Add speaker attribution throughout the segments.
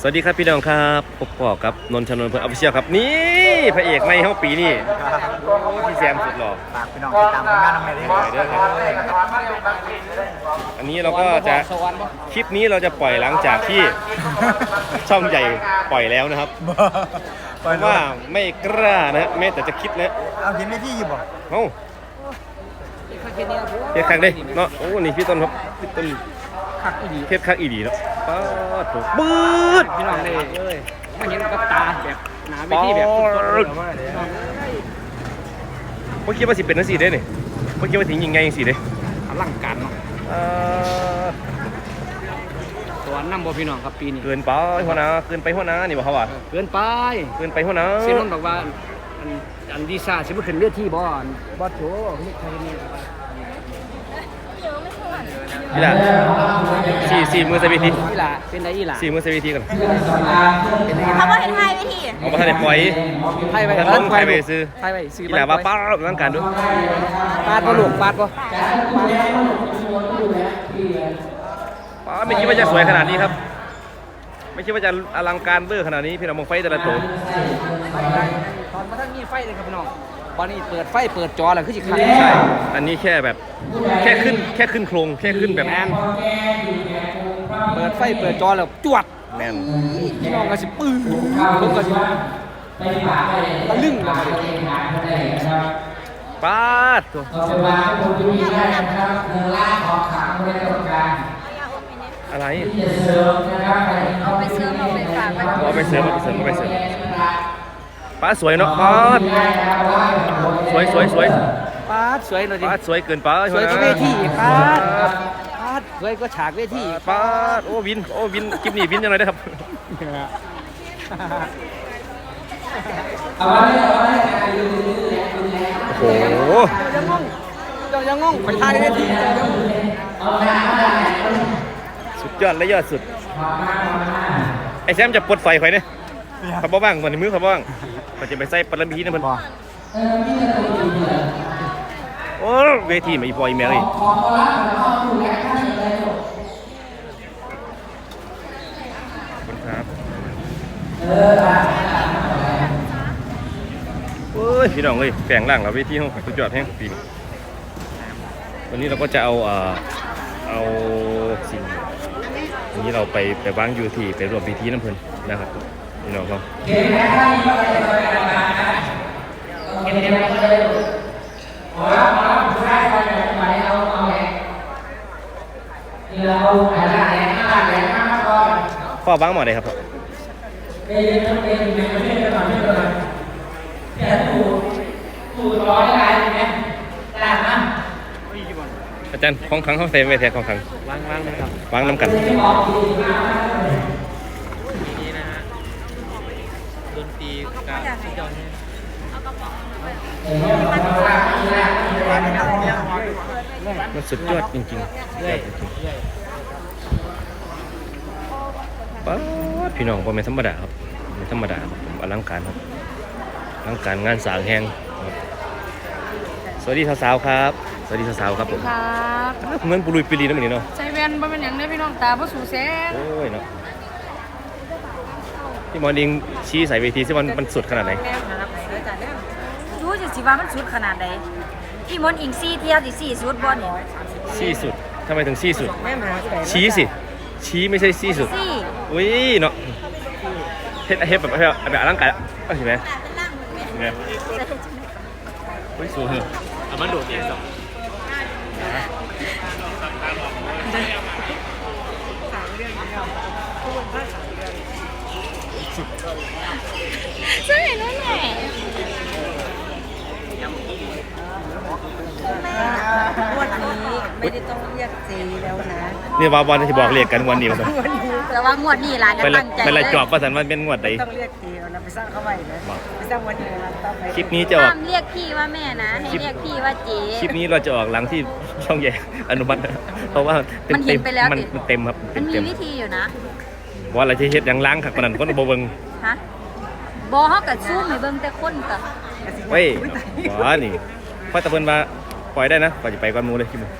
Speaker 1: วัสดีครับพี่น้องครับพบกับนนท์ชนนท์เพื่อนออฟฟิเชียลครับนี่พระเอกในห้องปีนี่พี่แซมสุดหล่อ
Speaker 2: ฝากพี่น้องติดตามผลงานน้องเมย์ด้วยครับ
Speaker 1: อันนี้เราก็จะคลิปนี้เราจะปล่อยหลังจากที่ช่องใหญ่ปล่อยแล้วนะครับเพราะว่าไม่กล้านะแม้แต่จะคิดนะ
Speaker 2: เอาเห็นไม่ที่อยู่บ่
Speaker 1: เอ้าเฮ็ดคักเด้เนาะโอ้นี่พี่ต้นครับพี่ต้นเฮ็ดคักอีดีเนาะป๊าดโถปื๊ด
Speaker 3: พี่น้องเลยอันนี้ก็ตาแบบหนาไปที่แบบ
Speaker 1: เมื่อกี้ว่าสิเป็นนั่นสิเด้เนี่ยเมื่อกี้ว่าถึงยิงไงสิเด้
Speaker 3: อลังการเนาะตัวน้ำบ่พี่น้องครับปีนี้
Speaker 1: เกินไปหัวหน้าเกินไปหัวหน้านี่บ่เขาว่า
Speaker 3: เกินไป
Speaker 1: หัวหน้า
Speaker 3: เซนนบอกว่าอันดีซ่าสิบ่ขึ้นเรือที่บ่โถไม่ใช่นี่
Speaker 1: นี่แหละสี่มือสวิที
Speaker 3: นี่แหละเป็นไรอีหล่ะ
Speaker 1: 4 มือสวิทีก่อน
Speaker 4: เขาบอกให้ทายไปที
Speaker 1: เอามาทำในปล่อย
Speaker 3: ไทยไป
Speaker 1: ซื้อ
Speaker 3: ซื้อ
Speaker 1: นี่แหละว่าป้าร่างการด้วย
Speaker 3: ปาดบ่ลูกปาดบ่
Speaker 1: ป้าไม่คิดว่าจะสวยขนาดนี้ครับไม่คิดว่าจะอลังการเบอร์ขนาดนี้พี่น้องมองไฟแต่ละตัว
Speaker 3: ตอนมาทั้งมีไฟเลยครับพี่น้องตอนนี้เปิดไฟเปิดจอแล้วคือสิคัน
Speaker 1: ใช่อันนี้แค่แบบแค่ขึ้นโครงแค่ขึ้นแบบ
Speaker 3: แมนเปิดไฟเปิดจอแล้วจวด
Speaker 1: แมน
Speaker 3: พี่น้องก็สิปื้อผมก็สิตะลึงแล้ว
Speaker 1: ป้าดตัวอะไร
Speaker 4: เอาไปเสริมเอาไปฝากไป
Speaker 1: เอาไปเสริมป้าสวยเนาะป้าสวย
Speaker 3: ป้าสวยเลยดิ
Speaker 1: ป้าสวยเกินป้า
Speaker 3: สวยก็เวทีป้าสวยก็ฉากเวที
Speaker 1: ป้าโอ้วินคลิปนี้วินยังไงได้ครับโอ้โห
Speaker 3: ยังงงไปทายเวที
Speaker 1: สุดยอดและยอดสุดไอ้แซมจะปลดไฟไฟเนี่ยขับบ้างมันมือขับบ้างมันจะไปใส่ปลาบีนะมันโอ้เวทีมาอีพออีเมลี่ครับโอ้ยพี่น้องเลยแฝงล่างเราเวทีห้องสุดยอดแห้งปีนี้วันนี้เราก็จะเอาสิ่งนี้เราไปวางยูทีไปรวมพิธีน้ำเพลินนะครับพี่น้องเขาพ่อบ้างหมดเลยครับอาจารย์ของขังเขาเซฟไว้แทนของขัง
Speaker 3: วางนะครับ
Speaker 1: วางน้ำกัน
Speaker 3: นี่นะฮะดนตรีกับที่จอน
Speaker 1: มันสุดยอดจริงๆป้าพี่น้องผมไม่ธรรมดาครับไม่ธรรมดาผมอลังการครับอลังการงานสางแห้งสวัสดีสาวๆครับสวัสดีสาวๆครับผม
Speaker 4: ครับ
Speaker 1: เหมือนปุรุยปิลีนั่นเหมือนเนาะ
Speaker 4: ใจเวียนบ่เป็นอย่างนี้พี่น้องตาบ่สู่แสง
Speaker 1: โอ้ยเนาะพี่มอนิงชี้ใส่เวทีซิมันสุดขนาดไหน
Speaker 4: รู้สิว่ามันสุดขนาดไหนพี่มอนอิงซี่เที่ยวที่4สุดบ่เนี่ย
Speaker 1: 4สุดทำไมถึง4สุดชี้สิชี้ไม่ใช่4สุดอุ้ยเนาะเฮ็ดแบบอลังการเห็นไหมเนี่ยเฮ้ยสวยเอามันโดดเองสอง
Speaker 4: ใช่นั่นแหละวันนี้ไม่ได้ต้องเรียกเจแล้วนะ
Speaker 1: นี่ว่าวันที่บอกเรียกกันวันนี้มา
Speaker 4: แต่ว่างวดนี้ล่ะจะตั้งใจ
Speaker 1: เป็นอะไรจอบประสันมันเป็นงวดใด
Speaker 2: ต้องเรียกเจแล้วไปสร้างเข้าไปนะไปสร้างวันนี้ต่อไป
Speaker 1: คลิปนี้จะออก
Speaker 4: เรียกพี่ว่าแม่นะให้เรียกพี่ว่าเจ
Speaker 1: คลิปนี้เราจะออกหลังที่ช่องใหญ่อนุมัติเพราะว่า
Speaker 4: มันเห็นไปแล้ว
Speaker 1: มันเต็มครับ
Speaker 4: มันมีวิธีอยู่นะ
Speaker 1: ว่าอะไรที่เฮ็ดยังล้างขักปนันคนบ่เบิ่ง
Speaker 4: ฮะบ่เฮาก็ซูมให้เบิ่งแต่คนก็
Speaker 1: เว้ยบ่นี่พ่อตะเพิ่นว่าปล่อยได้นะก่อนจะไปก่อนหมู่เลยคิดมึง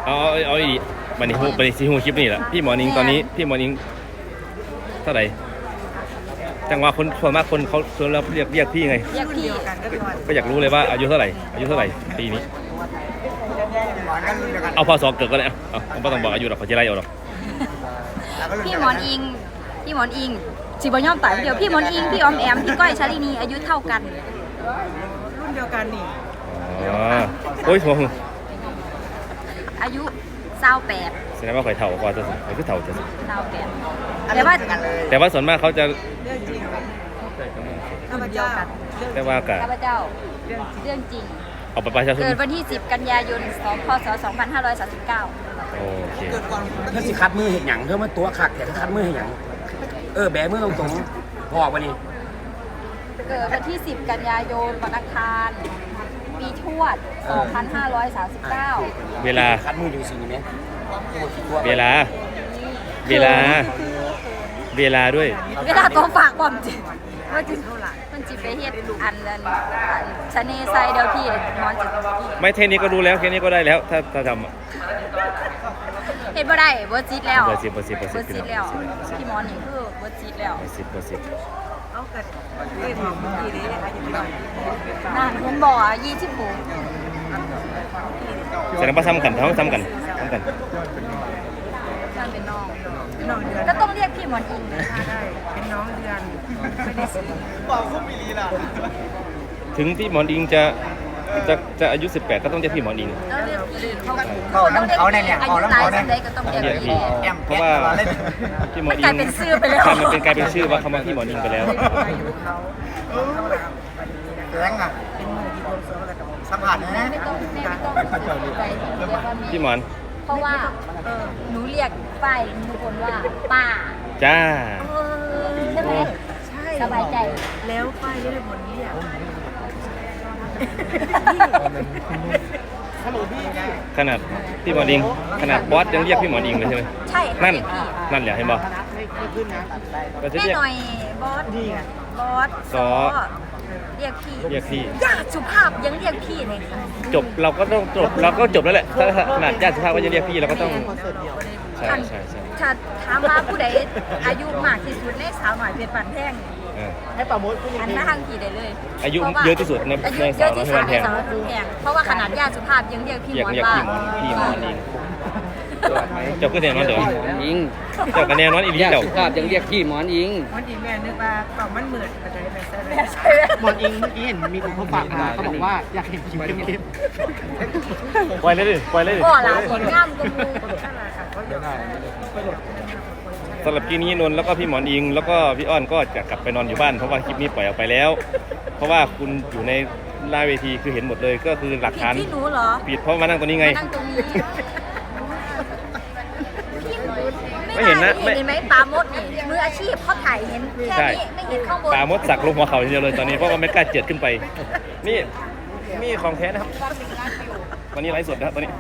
Speaker 1: เอาอีกบันนี้บันนี้ซีฮูคลิปนี่แหละพี่หมอนิงตอนนี้พี่หมอนิงเท่าไหร่จังหวะคนส่วนมากคนเขาส่วนเราเรียกพี่ไง
Speaker 4: เรียกพี่
Speaker 2: กันก็ก่อน
Speaker 1: ก็อยากรู้เลยว่าอายุเท่าไหร่ปีนี้
Speaker 2: หมอนกันรุ่นเดียวกัน
Speaker 1: เอาพศเกิดก็ได้เอาไม่ต้องบอกอายุหรอกเขาจะไล่เอาหรอก
Speaker 4: พี่หมอนอิงสิบ่ยอมตายเดียวพี่หมอนอิงพี่ออมแอมพี่ก้อยชาลินีอายุเท่ากัน
Speaker 2: รุ่นเดียวกันนี่
Speaker 1: อ๋อโอ้ยผม
Speaker 4: อายุ28
Speaker 1: แสดงว่าข่อยเถ่ากว่าจะสิข่อยคือเถ่าจะสิ
Speaker 4: 28แต่ว่า
Speaker 1: แต่ว่าส่วนมากเขาจะ
Speaker 2: เรื่องจริงข้าพ
Speaker 4: เดีย
Speaker 2: เจ้าว
Speaker 4: กัน
Speaker 1: ได้ว่ากะ
Speaker 4: ข้าพเจ้าเรื่องจริง
Speaker 1: เอาไปประชาชน
Speaker 4: เกิดวันที่ 10 กันยายนพศ 2539
Speaker 1: โอเค
Speaker 3: เธอสิคัดมือเห็นหยังเธอมาตัวขัดแต่คัดมือเห็นหยังแบมือตรงๆพอวันนี้
Speaker 4: เกิดวันที่ 10 กันยายนวันอังคารปีทวด 2539
Speaker 1: เวลา
Speaker 3: คัดมืออยู่สิ่งนี้ไหม
Speaker 1: เวลาด้วย
Speaker 4: เวลาตัวฝากบอมจิว่าจิมันจิไปเฮ็ดอันนั้นชะเนไซเดียวพี่นอนจิ
Speaker 1: ไม่เทคนี้ก็รู้แล้วแค่นี้ก็ได้แล้วถ้าทำอะ
Speaker 4: เฮ็ดบ่ได้บ่จิตแล้ว
Speaker 1: เบอร์สิบ
Speaker 4: บ่จิตแล้วพี่หมอนี่คือบ่จิตแล้ว
Speaker 1: เบอร์สิบ
Speaker 2: เอาเกิดเรื่องของเมื่อกี้นี้อายุเท่าไหร่
Speaker 4: นั่นเห็นบ่อ่ะ26
Speaker 1: แสดงว่าซ้ำกัน
Speaker 4: นั่นเป็นน้อง
Speaker 2: เป็นน้องเดือน
Speaker 4: ก็ต้องเรียกพี่หมอนอิงนะ
Speaker 2: ได้เป็นน้องเดือนไม่ได้ซื้อ
Speaker 1: ถึงพี่หมอนอิงจะอายุ 18 ก็ต้องเรียกพี่หมอนอิง
Speaker 4: แล้วเรียกพี่เขา
Speaker 2: เขาเนี่ย
Speaker 4: อายุหลายสันใดก็ต้องเรียก
Speaker 1: เรียก
Speaker 4: พี่
Speaker 1: พี่เพราะว่าพี่หมอ
Speaker 4: มัน
Speaker 1: อิ
Speaker 4: กลาย
Speaker 1: ง
Speaker 4: เป็นชื่อไปแล้ว
Speaker 1: ใช่มันกลายเป็นชื่อว่าคำว่าพี่หมออิงไปแล้ว
Speaker 2: อายุเขาแรงอ่ะเป็นมือที่ผมสวมกับสัมผัสนะ
Speaker 4: ไม่ต้องใจเรียกว่าแม่
Speaker 1: พี่หมอน
Speaker 4: เพราะว่าหนูเรียกป้ายทุกคนว่าป้า
Speaker 1: จ้า
Speaker 4: ใช่ไหม
Speaker 2: ใช่
Speaker 4: สบายใจ
Speaker 2: แล้วป้ายเรียกผลนี้อ่ะ
Speaker 1: ขนาดพี่หมอนอิงขนาดบอสยังเรียกพี่หมอนอิงเลยใช่ไหม
Speaker 4: ใช่
Speaker 1: นั่น
Speaker 4: พี่
Speaker 1: นั่นแหละเห็นบ่เราจะ
Speaker 4: แม่
Speaker 1: เรียก
Speaker 4: หน่อยบอสซอเรียกพี่
Speaker 1: เรียกพี่
Speaker 4: ญาติสุภาพยังเรียกพี่เลยค่ะ
Speaker 1: จบเราก็ต้องจบแล้วแหละถ้าขนาดญาติสุภาพว่าจะเรียกพี่เราก็ต้องใช่ใช่
Speaker 4: ถ้าถามว่าผู้ใดอายุมากที่สุดในสาวหน่อยเป็นปันแท่ง
Speaker 1: เออ
Speaker 4: อันหน้าทางพี่ได้เลย
Speaker 1: อายุเยอะที่สุดใน
Speaker 4: อายุ
Speaker 1: ใน
Speaker 4: เย
Speaker 1: สา
Speaker 4: อะ
Speaker 1: วน้อ
Speaker 4: ที่
Speaker 1: ย
Speaker 4: สุด
Speaker 1: แพ
Speaker 4: ใน
Speaker 1: ง
Speaker 4: สาวน้อยแพงเพราะว่าขนาดญาติสุภาพยังเรียกพี่ห
Speaker 1: เรีย
Speaker 4: ม
Speaker 1: ก
Speaker 4: อน
Speaker 1: เรียก
Speaker 4: ว่า
Speaker 1: พี่หมอนอิงเจ้าก็แน่นอนเดี๋ยว
Speaker 3: อิง
Speaker 1: เจ้าก็แน่นอนอีหลี
Speaker 3: ญาติ
Speaker 1: เจ้า
Speaker 3: สุภาพยังเรียกพี่หมอนอิง
Speaker 2: วันอีแม่นึกว่าเป่ามันเหมือนกระจายไปซะเลย
Speaker 5: หมอนอิงเมื่อกี้เห็นมีคนเขาฝากมาเขาบอกว่าอยากเห็นคิวเข้ม
Speaker 1: ปล่อยเลยดิปล่อยเลยดิ
Speaker 4: ก็หลานคนงามก็มู
Speaker 1: สำหรับคลิปนี้นนท์แล้วก็พี่หมอนอิง แล้วก็พี่อ้อนก็จะกลับไปนอนอยู่บ้านเพราะว่าคลิปนี้ปล่อยออกไปแล้ว เพราะว่าคุณอยู่ในหน้าเวทีคือเห็นหมดเลยก็คือหลัก
Speaker 4: ผิด
Speaker 1: ฐาน
Speaker 4: ที่หนูเหรอ
Speaker 1: ผิดเพราะมานั่งตรงนี้ไง
Speaker 4: มานั่งตรงนี้
Speaker 1: ไม่เห็นนะ
Speaker 4: เห็นไหมปลาโมดนี่มืออาชีพเขาถ่ายเห็นแค่นี้ไม่เห็นข้างบน
Speaker 1: ตามดสักลงหัวเขาทีเดียวเลยตอนนี้เพราะว่าไม่กล้าเจิดขึ้นไป นี่มีของแท้นะครับวันนี้ไลฟ์สดนะครับตอนนี้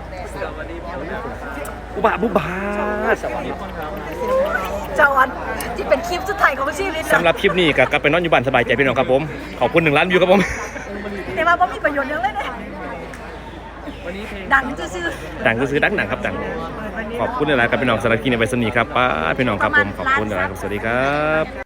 Speaker 1: อุบาสวัสดี
Speaker 4: จอนที่เป็นคลิปสุดท้ายของชีวิต
Speaker 1: สำหรับคลิปนี้ก็กลับไปนอนอยู่บ้านสบายใจพี่น้องครับผมขอบคุณ1 ล้านวิวครับผม
Speaker 4: แต่ว่ามีประโยชน์เยอะเลยเนี่ยดังซื่อ
Speaker 1: ดังก็ซื้อดังหนังครับดังขอบคุณหลายๆกับพี่น้องสารบคลิปในไวซ์นี้ครับป้าพี่น้องครับผมขอบคุณหลายๆครับสวัสดีครับ